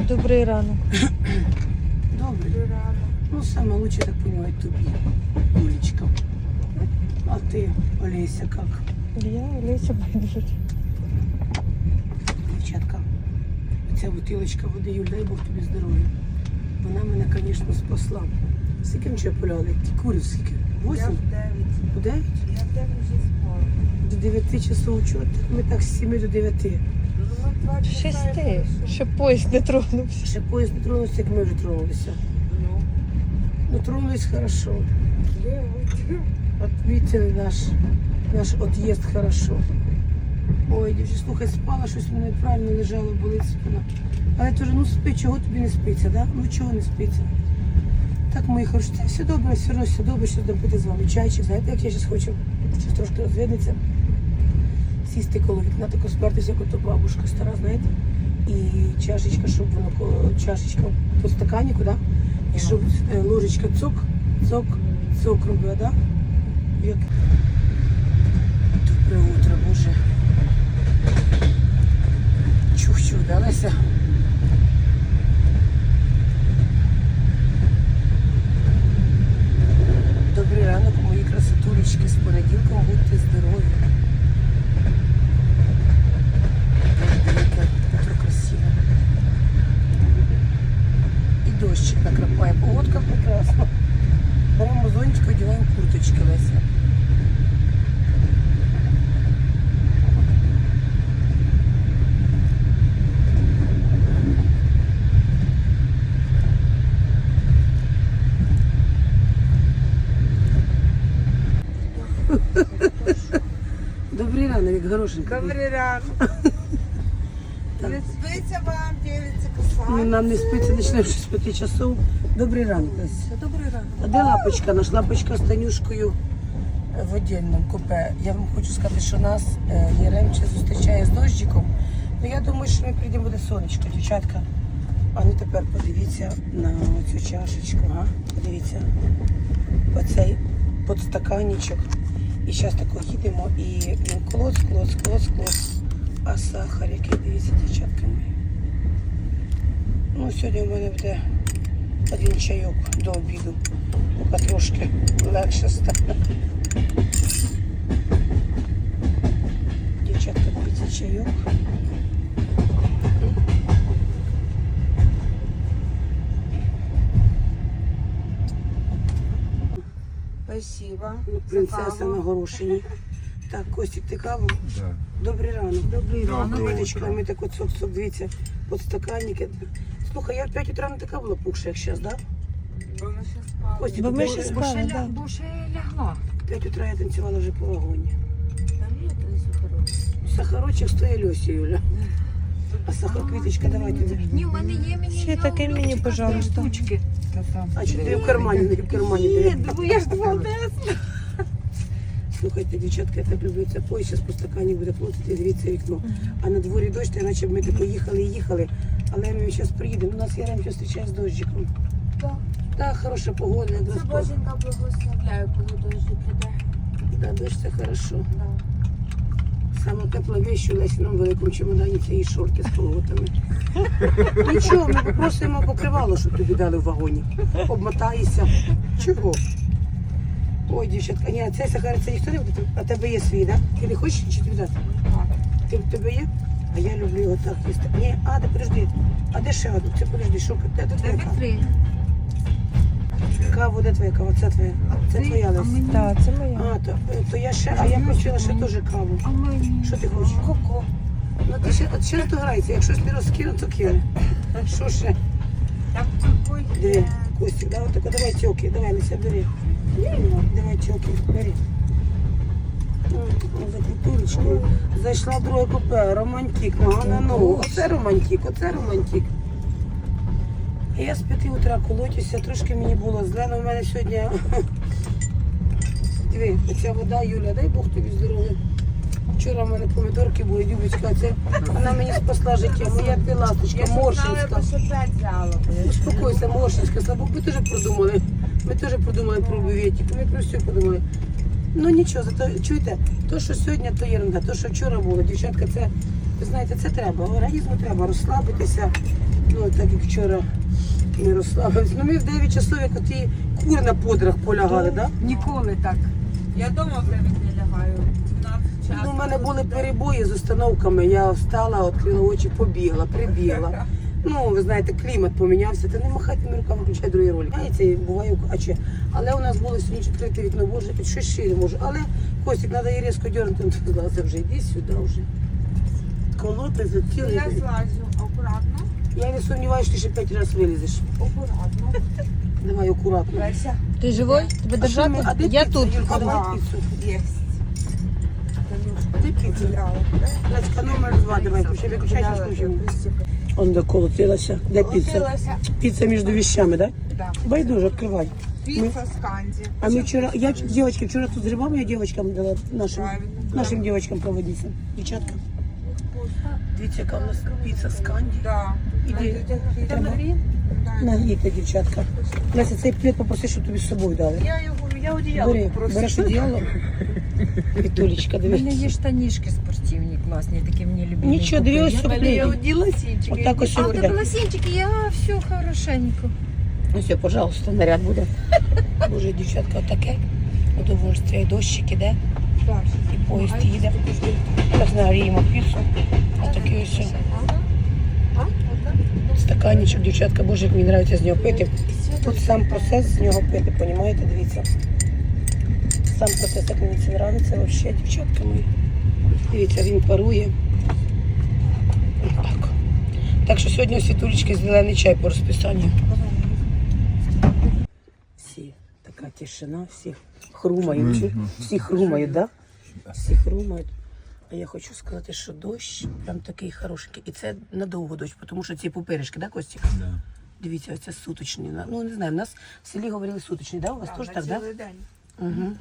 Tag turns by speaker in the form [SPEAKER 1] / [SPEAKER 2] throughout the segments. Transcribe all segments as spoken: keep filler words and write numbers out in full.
[SPEAKER 1] Добрий ранок.
[SPEAKER 2] Добрий ранок. Ну, саме лучше, так понимаю, тобі, Юлечка. А ти, Олеся, як?
[SPEAKER 1] Я Олеся Байдужик.
[SPEAKER 2] Дівчатка, ця бутилочка води, Юль, дай Бог тобі здоров'я. Вона мене, звісно, спасла. Скільки ми ще поляли? Ті курів скільки?
[SPEAKER 3] Я
[SPEAKER 2] Восім?
[SPEAKER 3] в дев'ять.
[SPEAKER 2] У дев'ять?
[SPEAKER 3] Я в дев'ять вже спала.
[SPEAKER 2] До дев'яти часов чого? Ми так з сіми до дев'яти.
[SPEAKER 3] Ну, ми два часа
[SPEAKER 1] Шести.
[SPEAKER 3] я
[SPEAKER 1] Ще поїзд не тронувся.
[SPEAKER 2] Ще поїзд не тронувся, як ми вже тронулися.
[SPEAKER 3] Ну,
[SPEAKER 2] Ну, тронулись хорошо.
[SPEAKER 3] дев'ять.
[SPEAKER 2] Отметили наш, наш отъезд хорошо. Ой, дівчата, слухай, спала, щось в мене правильно лежало, болить спина. Але теж, ну спи, чого тобі не спиться, да? Ну чого не спиться? Так, мої хороші, це все добре, все одно все добре, що будемо пити з вами чайчик. Знаєте, як я зараз хочу? Зараз трошки розвиднеться. Сісти коло вікна, тако спертися, як ото бабушка стара, знаєте? І чашечка, щоб воно, ко- чашечка по стаканіку, да? І щоб е, ложечка цок, цок, цок робила, да? Як... Добре утро, Боже. Чух-чух, да, Леся? Добрий ранок, мої красотулечки, з понеділком будьте здорові. Яке утро красиве. І дощик накрапає, погодка прекрасна. Беремо зонтик, одягаємо курточки, Леся. Добрий ранок, як горошенька.
[SPEAKER 3] Добрий ранок. Не спиться вам, дівчатка,
[SPEAKER 2] Ну,
[SPEAKER 3] касає.
[SPEAKER 2] нам не спиться, почнемо щось з п'яти часов. Добрий ранок, Леся.
[SPEAKER 3] Добрий ранок.
[SPEAKER 2] А де лапочка? Наш лапочка з Танюшкою в віддільному купе. Я вам хочу сказати, що нас е, Яремче зустрічає з дощиком. Ну я думаю, що ми прийдемо, буде сонечко, дівчатка. А ну тепер подивіться на цю чашечку. Ага. Подивіться. Оцей подстаканничок. І зараз тако їдемо і він клоц, клоц, клоц, клоц. А сахар, який, дивіться, дівчатка мої. Ну, сьогодні в мене буде один чайок до обіду. Поки трошки легше стане. Дівчатка, дивіться, чайок.
[SPEAKER 3] Спасибо.
[SPEAKER 2] Ну, принцеса на горошині. Так, Костік, ти каву?
[SPEAKER 4] Да.
[SPEAKER 2] Добрий ранок. Добрий ранок.
[SPEAKER 4] Доброе
[SPEAKER 2] Квіточка,
[SPEAKER 4] утро.
[SPEAKER 2] ми так от сок-сок, дивіться, подстаканники. Слухай, я в п'ять утра не така була пухша, як зараз, так?
[SPEAKER 3] Бо ми ще спали.
[SPEAKER 2] Костік,
[SPEAKER 1] Бо ми
[SPEAKER 2] ти
[SPEAKER 1] ще
[SPEAKER 2] вже-
[SPEAKER 3] Бо ще
[SPEAKER 1] спали,
[SPEAKER 3] ля-
[SPEAKER 1] да.
[SPEAKER 3] Бо ще лягла.
[SPEAKER 2] в п'ять утра я танцювала вже по вагоні.
[SPEAKER 3] Там є три сухарок.
[SPEAKER 2] Сахарочок стоїть Льосі, Юля. А сахар, Квіточка, давайте.
[SPEAKER 3] Ні, в мене є мені.
[SPEAKER 1] Ще
[SPEAKER 3] є
[SPEAKER 1] таке
[SPEAKER 3] у
[SPEAKER 1] мені,
[SPEAKER 3] Любчика
[SPEAKER 1] пожалуйста.
[SPEAKER 3] три штучки.
[SPEAKER 2] А чи ти в кармані, не в кармані?
[SPEAKER 3] Ні,
[SPEAKER 2] диви.
[SPEAKER 3] бо я ж молодець.
[SPEAKER 2] Слухайте, дівчатка, я так люблю це поїзд, зараз по стакані буде плотити, дивіться вікно. А на дворі дощ, та наче б ми тако їхали і їхали, але ми зараз приїдемо. У нас Яремче зустрічає з дощиком.
[SPEAKER 3] Так.
[SPEAKER 2] Так, хороша погода, якраз.
[SPEAKER 3] Це боженька благословляю, коли дощ піде.
[SPEAKER 2] Да, дощ це хорошо.
[SPEAKER 3] Да.
[SPEAKER 2] Саме тепла вещь у Лесіному великому чемодані це її шорти з колготами. Нічого, ми попросимо покривало, щоб тобі дали в вагоні. Обмотаєшся. Чого? Ой, дівчатка, ні, цей сахар, це ніхто не буде, а тебе є свій, так? Да? Ти не хочеш чи тобі дати? Ти в тебе є? А я люблю його так їсти. Ні, а, де подожди. А де ще одну? Це подожди, що де, де твоя кава?
[SPEAKER 3] Три.
[SPEAKER 2] Кава, де твоя кава? Це твоя. Це твоя, Лесь.
[SPEAKER 1] Так, це моя.
[SPEAKER 2] А, то, то я ще, а я хотіла ще теж каву.
[SPEAKER 3] А мені?
[SPEAKER 2] Що ти хочеш?
[SPEAKER 3] Коко.
[SPEAKER 2] Ну ти ще, от ще дограється, якщо ж не розкину, то кине. Що ще?
[SPEAKER 3] Там такой
[SPEAKER 2] Диви,
[SPEAKER 3] є.
[SPEAKER 2] Костік, давай тако, давай тьоки, давай, Леся, бери. Давай тьоки, бери. М, За культурочкою. Зайшла в друге купе, романтик, нога на ногу. Оце романтик, оце романтик. Я з п'яти утра колотюся, трошки мені було зле, але в мене сьогодні... Диви, оця вода, Юля, дай Бог тобі здоров'я. Вчора в мене помідорки були, Любочка, це вона мені спасла життя. Моя ти ласточка,
[SPEAKER 3] Я знала,
[SPEAKER 2] Моршинська.
[SPEAKER 3] що п'ять взяла.
[SPEAKER 2] Успокойся, Моршинська, слабо, ми теж продумали. Ми теж продумали про бюветик, ми про все подумали. Ну нічого, зато чуєте, то, що сьогодні, то ерунда, то, що вчора було, дівчатка, це Ви знаєте, це треба. Організму треба розслабитися. Ну, так як вчора не розслабився. Ну, ми в дев'ять часов, як оті кури на подрах полягали, так? Да?
[SPEAKER 3] Ніколи так. Я вдома в дев'ять не лягаю. дванадцять часу.
[SPEAKER 2] Ну, у мене були перебої з установками. Я встала, відкрила очі, побігла, прибігла. Ну, ви знаєте, клімат помінявся. Та не махайте мені руками, включай другий ролик. Знаєте, буває, а чи. Але у нас було сьогодні відкрите вікно, боже, під щось ще не можу. Але, Костік, треба її різко дернути. Ну, ти сказала, це вже йди сюди вже. Колоти за цілий
[SPEAKER 3] Я
[SPEAKER 2] день.
[SPEAKER 3] злазю акуратно.
[SPEAKER 2] Я не сомніваюся, що ти ще п'ять разів вилізеш.
[SPEAKER 3] Акуратно.
[SPEAKER 2] Давай акуратно.
[SPEAKER 3] Леся.
[SPEAKER 1] Ти живой? Тебе
[SPEAKER 2] А що ми-
[SPEAKER 1] держати?
[SPEAKER 2] а де
[SPEAKER 1] Я
[SPEAKER 2] піца,
[SPEAKER 1] тут.
[SPEAKER 2] Юлька, давай
[SPEAKER 3] Ага.
[SPEAKER 2] піцу.
[SPEAKER 3] Єсть.
[SPEAKER 2] Де піца? Леська, номер два, давай, ще виключай, зараз включимо. Он доколотилася. Де піца?
[SPEAKER 3] Колотилася.
[SPEAKER 2] Піца між вещами, так?
[SPEAKER 3] Да.
[SPEAKER 2] Байдуже, відкривай.
[SPEAKER 3] Піца з канді.
[SPEAKER 2] А ми вчора, я, девочки, вчора тут з грибами я девочкам дала, нашим,
[SPEAKER 3] Правильно.
[SPEAKER 2] нашим девочкам проводиться. Дівчатка. Дивіться, яка у нас піца з канді.
[SPEAKER 3] Да.
[SPEAKER 2] Іди.
[SPEAKER 3] Там Да.
[SPEAKER 2] Нагрійте, дівчатка. Леся, цей плед попроси, щоб тобі з собою дали.
[SPEAKER 3] Я його, я одіяло
[SPEAKER 2] Бери, береш одіяло. Вітулечка,
[SPEAKER 4] У мене
[SPEAKER 2] дивись.
[SPEAKER 4] є штанішки спортивні, класні, такі мені любимі.
[SPEAKER 2] Нічого, дивись,
[SPEAKER 4] купили.
[SPEAKER 2] все
[SPEAKER 3] Я
[SPEAKER 2] плед.
[SPEAKER 3] оділа сінчики.
[SPEAKER 2] Отак ось
[SPEAKER 4] А,
[SPEAKER 2] буде.
[SPEAKER 4] так лосінчики, я все хорошенько.
[SPEAKER 2] Ну все, пожалуйста, наряд буде. Боже, дівчатка, отаке. Удовольствие, дощик іде, і поїзд їде. Зараз нагріємо піцу. Отакий ось. Стаканчик, дівчатка, боже, як мені подобається з нього пити. Тут сам процес з нього пити, понімаєте, дивіться. Сам процес, як мені це подобається, взагалі, дівчатка мої. Дивіться, він парує. Так. Так що сьогодні у Світулечки зелений чай по розписанню. Всі, така тишина, всі хрумають, чи? Всі хрумають, так? Да? Всі хрумають. А я хочу сказати, що дощ прям такий хороший. І це надовго дощ, тому що ці пупиришки, да, Костік?
[SPEAKER 5] Да.
[SPEAKER 2] Дивіться, оце суточні. Ну, не знаю, в нас в селі говорили суточні, да? У вас теж так, да?
[SPEAKER 3] Цілий день.
[SPEAKER 2] Угу.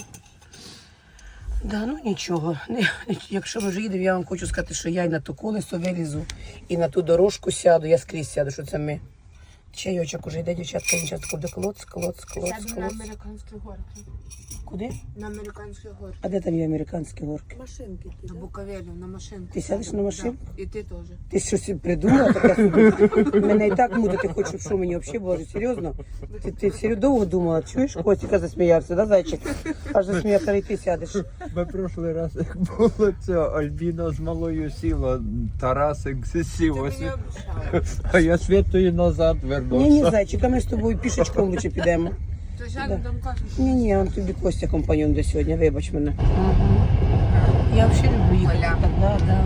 [SPEAKER 2] Да, ну нічого. Не, якщо ми вже їдемо, я вам хочу сказати, що я і на ту колесо вилізу, і на ту дорожку сяду, я скрізь сяду, що це ми. Чайочок уже йде, дівчатка, він часто буде клоц, клоц, клоц,
[SPEAKER 3] Сяду на
[SPEAKER 2] клоц.
[SPEAKER 3] американські горки.
[SPEAKER 2] Куди?
[SPEAKER 3] На американські горки.
[SPEAKER 2] А де там є американські горки?
[SPEAKER 3] Машинки. На Буковелі, на машинку.
[SPEAKER 2] Ти сядеш на машинку?
[SPEAKER 3] Да. І ти теж.
[SPEAKER 2] Ти щось придумала таке собі? Мене і так мудити хочуть, що мені взагалі було серйозно? Ти, ти серйозно довго думала, чуєш? Костіка засміявся, да, зайчик? Аж засміявся, і ти сядеш.
[SPEAKER 5] Ми прошлий раз, як було це, Альбіна з малою сіла, Тарасик сів,
[SPEAKER 3] Ти
[SPEAKER 5] а,
[SPEAKER 3] мені
[SPEAKER 5] Світ...
[SPEAKER 3] обіцяла.
[SPEAKER 5] а я Світою назад
[SPEAKER 2] Ні, ні,
[SPEAKER 5] вернувся.
[SPEAKER 2] зайчик, а ми з тобою пішечком лучше підемо.
[SPEAKER 3] То сядемо там кафе.
[SPEAKER 2] Ні, ні, он тобі Костя компаньон до сьогодні, вибач мене. Я взагалі люблю їхати.
[SPEAKER 3] Оля.
[SPEAKER 2] Так, да, да.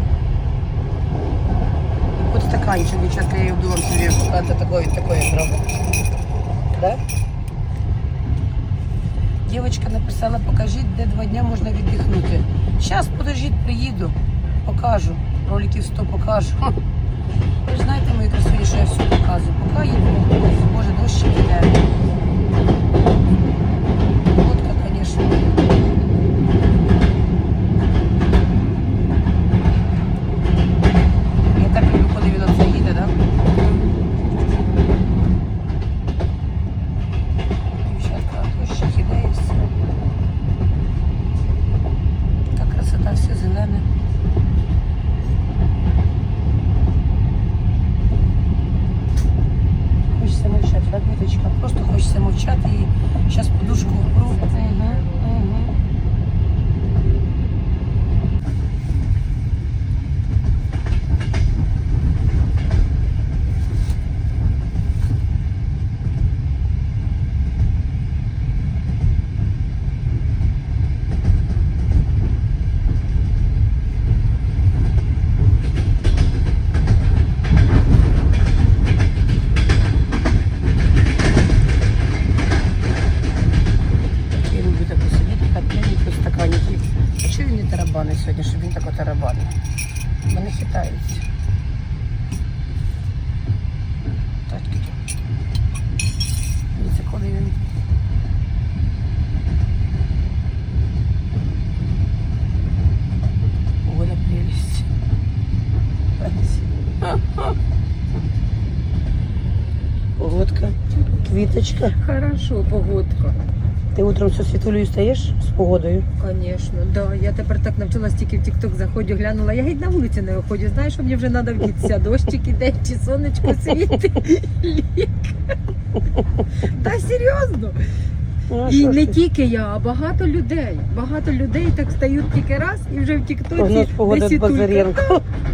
[SPEAKER 2] От стаканчик, дівчатка, я її вдома собі показати такої, такої зробити. Да? Дівчинка написала, покажіть, де два дня можна віддихнути. Зараз, подождіть, приїду, покажу. Роликів сто покажу. Ви ж знаєте, мої красуні, що я все показую. Поки їду, боже, дощ іде. Водка, конечно. Я так люблю, коли він оце їде, да? Дівчатка, дощик іде і все. Така красота, все зелене. Хочеться мовчати, так, Віточка? Просто хочеться мовчати і зараз подушку впру. Угу, угу. Я люблю так посидіти, так п'яненько в стаканчики. А чого він не тарабанить сьогодні, щоб він тако тарабанив? Вони хитаються. Так, таке. Дивіться, коли він... Оля, прелесть. Погодка, квіточка.
[SPEAKER 4] Хорошо, погодка.
[SPEAKER 2] Ти утром зі світулею стаєш з погодою?
[SPEAKER 4] Конечно, да. Я тепер так навчилась, тільки в тік-ток заходжу, глянула. Я геть на вулиці не виходжу. Знаєш, що мені вже треба вдітися. Дощик іде, чи сонечко світить. Лік. Та серйозно.
[SPEAKER 2] Ну, а
[SPEAKER 4] І
[SPEAKER 2] що ж
[SPEAKER 4] не
[SPEAKER 2] ти?
[SPEAKER 4] тільки я, а багато людей. Багато людей так стають тільки раз і вже в тік-тоці
[SPEAKER 2] Прогноз погоди від
[SPEAKER 4] десятулька.
[SPEAKER 2] Базаренко.